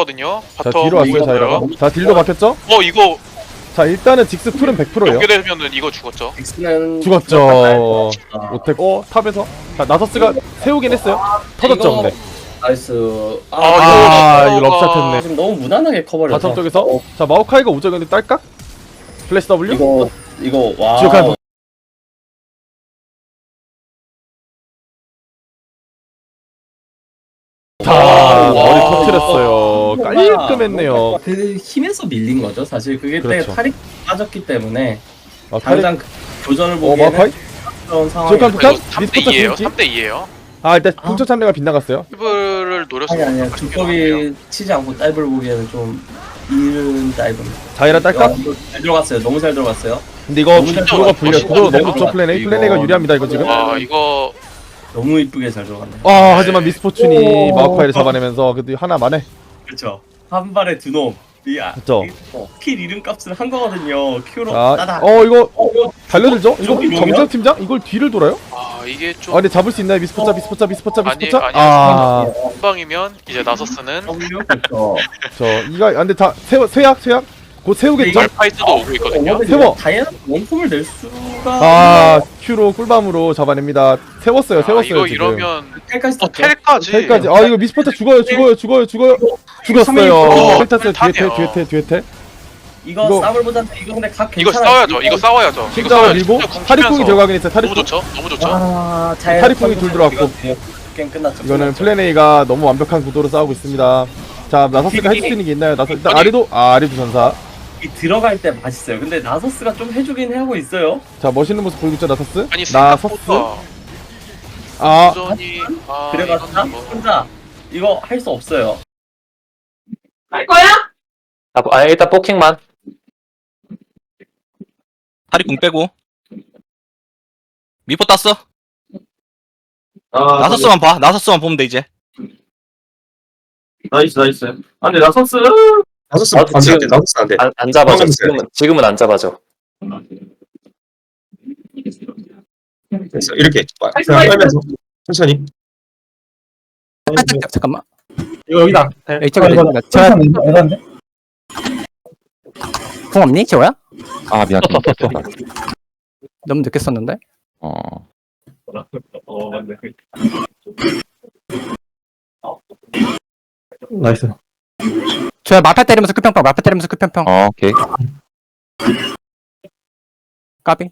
왔거든요. 자 바텀 뒤로 왔어요 이거 자이라가. 뭐예요? 자 딜도 막혔죠? 이거 자 일단은 직스 풀은 100%예요. 연계되면은 이거 죽었죠. 엑스는 죽었죠. 오텍. 탑에서. 자 나서스가 세우긴 했어요. 터졌죠 이거- 근데. 나이스. 이거 럽샷했네. 지금 너무 무난하게 커버려서. 바텀 쪽에서 자 마오카이가 오죠. 근데 딸깍. 플래시 W. 이거 와. 지옥한 다 머리 터트렸어요. 깔끔했네요. 그 힘에서 밀린 거죠. 사실 그게 때 그렇죠. 탈이 빠졌기 때문에 아, 탈이. 당장 그 교전을 보기에는 마오카이? 그런 상황이. 지옥한 북한? 이거 3대 미스포터 2예요. 진지? 3대 2예요. 일단 풍초 참여가 빗나갔어요. 힙을 노렸으면 아니야. 주법이 치지 않고 다이브를 보기에는 좀 이른 다이브입니다. 자이라 딸깍. 이거 잘 들어갔어요. 너무 잘 들어갔어요. 근데 이거 너무 잘 구도가 들어갔어. 불려. 진짜 구도 잘 너무 좋죠. 플랜 A. 이거- 플랜 A가 유리합니다 이거 지금. 와 이거 너무 이쁘게 잘 들어갔네. 하지만 미스포춘이 마오카이를 잡아내면서 그래도 하나만에. 그렇죠. 한 발에 두 놈. 그쵸. 킬 이름값을 한 거거든요. 큐로 자, 따다. 이거 달려들죠? 이거 저기 정재혁 팀장? 이걸 뒤를 돌아요? 이게 좀 근데 잡을 수 있나요? 미스포차. 아니, 한방이면 이제 나서스는 그렇죠. 근데 다 세약? 곧 세우겠죠? 말파이트도 오고 있거든요. 세워. 다이애나 원폼을 낼 수가. 큐로 꿀밤으로 잡아냅니다. 세웠어요 이거 지금. 이러면 텔까지 탔죠. 텔까지. 텔까지. 이거 미스포차 죽어요. 죽었어요. 텔 탔어요. 뒤에 텔. 이거 싸움을 보자는데 이거 근데 각 이거 괜찮아요. 싸워야죠. 이거 싸워야죠. 이거 심장을 싸워야죠. 밀고 궁 타리풍이 치면서. 들어가긴 했어요. 너무 타리풍. 좋죠. 너무 좋죠. 타리풍이 둘 들어왔고. 게임 끝났죠. 이거는 플랜 A가 너무 완벽한 구도로 싸우고 있습니다. 자 나서스가 해줄 수 있는 게 있나요? 일단 아리도 전사. 이 들어갈 때 맛있어요. 근데 나서스가 좀 해주긴 하고 있어요. 자 멋있는 모습 보이고 있죠 나서스? 아니 나서스. 생각보다 도전이 그래봤자 이거는 뭐- 혼자 이거 할 수 없어요. 할 거야? 일단 포킹만. 다리 궁 빼고 미포 땄어. 나서스만 봐. 나서스만 보면 돼 이제. 나이스. 근데 나서스 지금 나서스 안 돼. 안 잡아줘. 방금 지금은 안 잡아줘. 됐어. 이렇게 그냥 빨면서 천천히. 잠깐만. 이거 여기다. 이거 제가 궁 없니 재호야? 미안. 너무 늦게 썼는데. 맞네. 나이스. 재호야 마파 때리면서 끝평평. 오케이. 까비.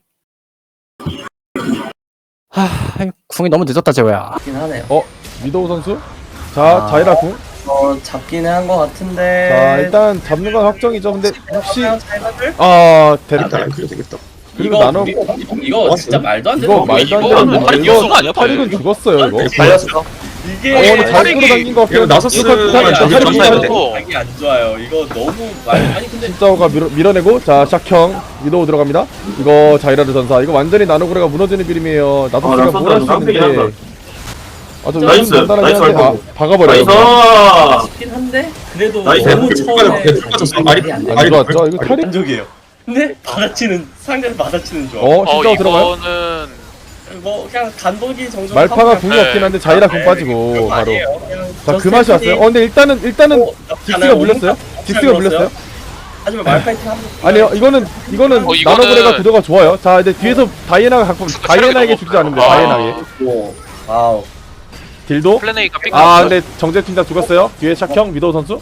궁이 너무 늦었다 재호야. 잡긴 하네요. 미도우 선수. 자 자이라 궁. 잡기는 한 것 같은데. 자 일단 잡는 건 확정이죠. 근데 혹시 자이라들? 데리고 안 그래도 되겠다. 그리고 이거 나눠 이거 진짜 말도 안 되는 이거 말도 안 이거는 되는 팔이 이거 이거 아니야, 팔이? 탈익은 죽었어요 이거. 달렸어. 이게 근데 잘 끌어당긴 거 같긴 이거 나서스 점사해야 돼. 자기 안 좋아요. 이거 너무 아니 근데 진짜오가 밀어내고 자 샥형 미도우 들어갑니다. 이거 자이라르 전사 이거 완전히 나노그레가 무너지는 그림이에요. 나서스가 뭘 할 수 있는데 좀 나이스. 간단하게 나이스. 하는데 박아버려요. 잡긴 한데 그래도 나이스. 너무 됐어. 처음에 됐어. 말이 안 안 좋았죠? 이거 탈익 만족이에요. 근데 받아치는 상대를 받아치는 조합. 진짜오 들어가요? 이거는 뭐 그냥 간보기 정도. 말파가 하고 궁이 네. 없긴 한데 자이라 궁 빠지고 그거 바로. 아니에요. 그냥 자 그 저스트 맛이 왔어요. 팬이 근데 일단은 직스가 가나요? 물렸어요. 직스가 잘 물렸어요. 하지만 말파이팅 한 아니요 이거는 이거는- 나노그레가 구도가 좋아요. 자 이제 뒤에서 다이애나가 갖고 다이애나에게 죽지 않으면 다이애나에게 와우. 딜도. 플래네이가 픽. 근데 정재 팀장 죽었어요. 뒤에 샥형 미도우 선수.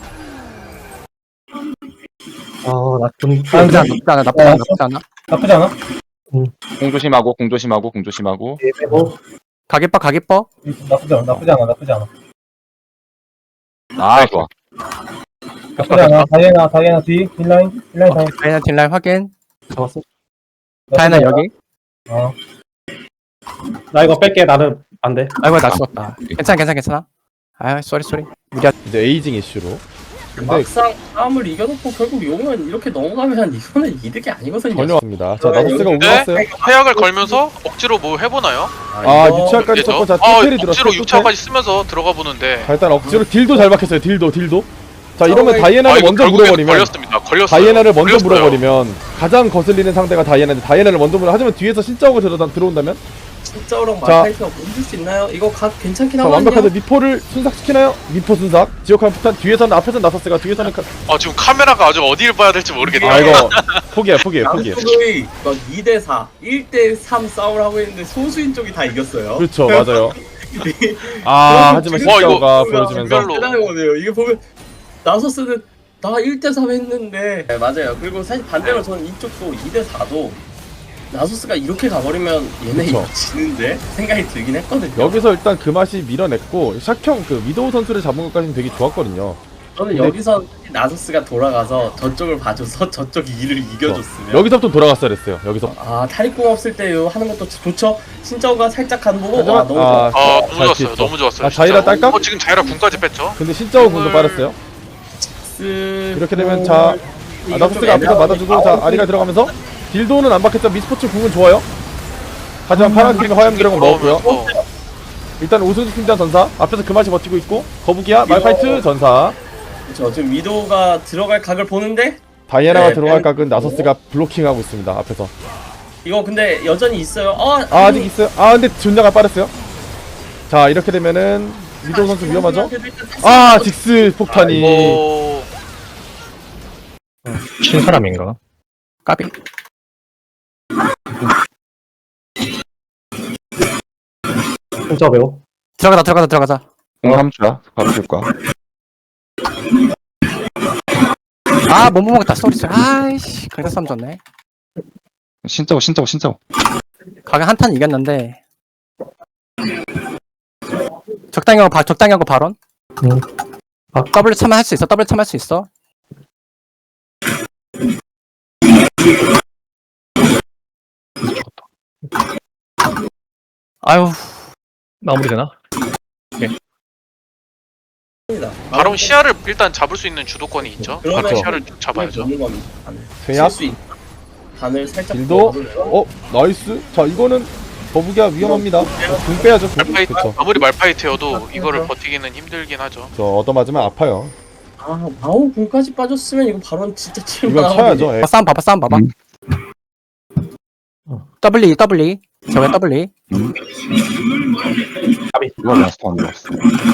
나쁘지 않아. 공 조심하고. 가게뻐. 나쁘지 않아. 좋아. 나쁘지 않아. 다이애나 뒤, 힐라인 다이. 딜라인 확인. 잡았어. 다이애나 여기. 나 이거 뺄게. 나는 안 돼. 아이고 나 죽었다. 괜찮아. 쏘리. 이제 에이징 이슈로. 근데 막상 싸움을 이겨놓고 결국 용은 이렇게 넘어가면 이거는 이득이 아니거든요. 전혀 없습니다. 자 나서스가 오고 네? 왔어요. 해약을 걸면서 억지로 뭐 해보나요? 이거 유치아까지 그죠? 썼고 자 뚜텔이 들었어요. 억지로 유차까지 쓰면서 들어가 보는데. 자 일단 억지로 딜도 잘 박혔어요. 딜도. 자 이러면 다이애나를 이거 먼저 결국엔 물어버리면 걸렸어요. 다이애나를 먼저 걸렸어요. 물어버리면 가장 거슬리는 상대가 다이애나인데 다이애나를 먼저 물어. 하지만 뒤에서 신짜오가 들어온다면 진짜랑 자. 말파이트가 멈출 수 있나요? 이거 각 괜찮긴 자, 하거든요. 완벽하게 미포를 순삭시키나요? 미포 순삭. 지옥한 폭탄 뒤에서는 앞에서는 나서스가 뒤에서는 지금 카메라가 아주 어디를 봐야 될지 모르겠네요. 아 이거 포기해. 양쪽이 막 2대4, 1대3 싸움을 하고 있는데 소수인 쪽이 다 이겼어요. 그렇죠, 맞아요. 하지만 와, 신짜오가 이거 보여주면서 별로. 대단한 거네요. 이게 보면 나서스는 나 1대3 했는데 네, 맞아요. 그리고 사실 반대로 저는 이쪽도 2대4도 나소스가 이렇게 가버리면 얘네 그쵸. 이거 지는데 생각이 들긴 했거든요. 여기서 일단 그 맛이 밀어냈고 샥형 그 위도우 선수를 잡은 것까지는 되게 좋았거든요. 저는 근데- 여기서 나소스가 돌아가서 저쪽을 봐줘서 저쪽이 일을 이겨줬으면 여기서부터 돌아갔어야 됐어요. 여기서. 탈익궁 없을 때 하는 것도 좋죠. 신짜오가 살짝 간 보고 하지만, 와 너무 좋아. 너무 잘 좋았어요. 피했어. 너무 좋았어요. 자이라 진짜. 딸까? 지금 자이라 군까지 뺐죠. 근데 신짜오 공도 빠졌어요. 이렇게 되면 나소스가 앞에서 맞아주고 아리가 들어가면서 딜도는 안 박혔죠. 미스포츠 궁은 좋아요. 하지만 파란팀이 화염 드래곤 먹었고요. 일단 오승수 팀장 전사 앞에서 그 맛이 버티고 있고 거북이야 말파이트 전사 그렇죠. 지금 위도우가 들어갈 각을 보는데 다이애나가 네, 들어갈 각은 나소스가 블로킹하고 있습니다. 앞에서. 이거 근데 여전히 있어요. 아직 있어요. 근데 존냐가 빠졌어요. 자 이렇게 되면은 위도우 선수 위험하죠. 직스 폭탄이 친 사람인가? 까비. 진짜 매워. 들어가자. 공 3초야. 바로 줄 거야. 못 먹었다. 쏘리. 아이씨, 그래서 싸움 졌네. 신짜오. 가게 한탄 이겼는데. 적당히 하고 발언. 더블 참여할 수 있어. 아유, 마무리 되나? 바로 시야를 일단 잡을 수 있는 주도권이 있죠. 그러면 바로 시야를 잡아야죠. 제약 수 있는 반을 살짝 딜도 넣어볼래요? 나이스. 자 이거는 거북이가 위험합니다. 궁 빼야죠. 궁. 말파이트 그쵸. 아무리 말파이트여도 이거를 버티기는 힘들긴 하죠. 저 얻어맞으면 아파요. 마오 궁까지 빠졌으면 이거 바로 진짜 이건 칠만하거든요. 쳐야죠. 예. 싸움 봐봐. 더블리. 저게 더블리. 이거 라스트 안 들어왔어.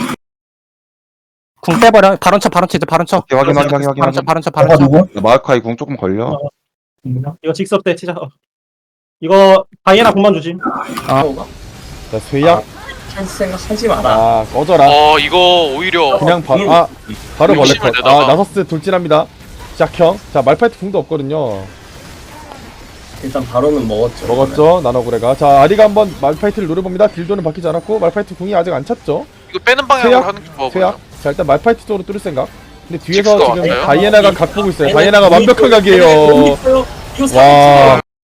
궁 빼버려. 발언 쳐. 오케이, 확인. 발언 쳐. 누구? 마이카이 궁 조금 걸려. 이거 직섭 때 치자. 이거 다이애나 공만 주지. 자 쇠약. 찬스 생각하지 마라. 꺼져라. 이거 오히려 그냥 바로 벌레 욕심을 컷. 내다가. 나서스 돌진합니다. 샥형. 자 말파이트 궁도 없거든요. 일단 바로는 먹었죠. 먹었죠 나노구레가. 자 아리가 한번 말파이트를 노려봅니다. 딜도는 바뀌지 않았고 말파이트 궁이 아직 안 찼죠. 이거 빼는 방향으로 쇠약? 하는 게 좋아 쇠약. 보여요. 자 일단 말파이트 쪽으로 뚫을 생각. 근데 뒤에서 직스도 지금 왔어요? 다이애나가 각 보고 있어요. 다이애나가 완벽한 각이에요. 이거 와.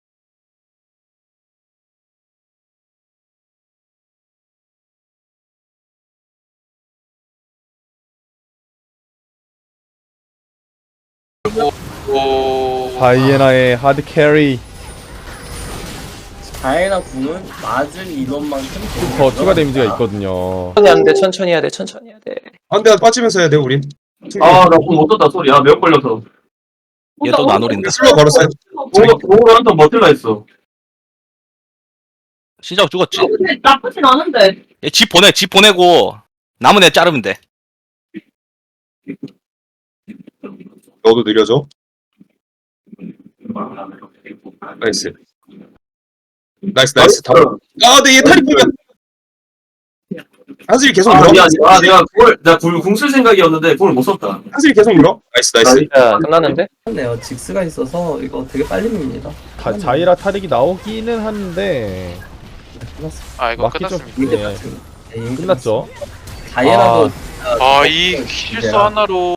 다이애나의 하드 캐리 다이애나 궁은 맞은 인원만큼 더 추가 데미지가 있거든요. 천천히 해야 돼. 안돼 빠지면서 해야 돼 우린. 나공못 떴다 소리. 매우 걸려서. 얘도 나노린다. 슬로 걸었어요. 공으로 한턴 버틸라 했어. 시작 죽었지. 근데 나쁘진 않은데. 얘 집 보내고 남은 애 자르면 돼. 너도 느려져. 나이스. 근데 얘 탈이 보면 한슬이 계속 물어. 내가 궁쓸 생각이었는데 궁을 못 썼다. 한슬이 계속 물어. 나이스. 끝났는데? 네요. 직스가 있어서 이거 되게 빨리 밉니다. 자이라 타릭이 나오기는 하는데 이거 맞기 좀 끝났습니다. 끝났죠. 다이애나도 이 실수 하나로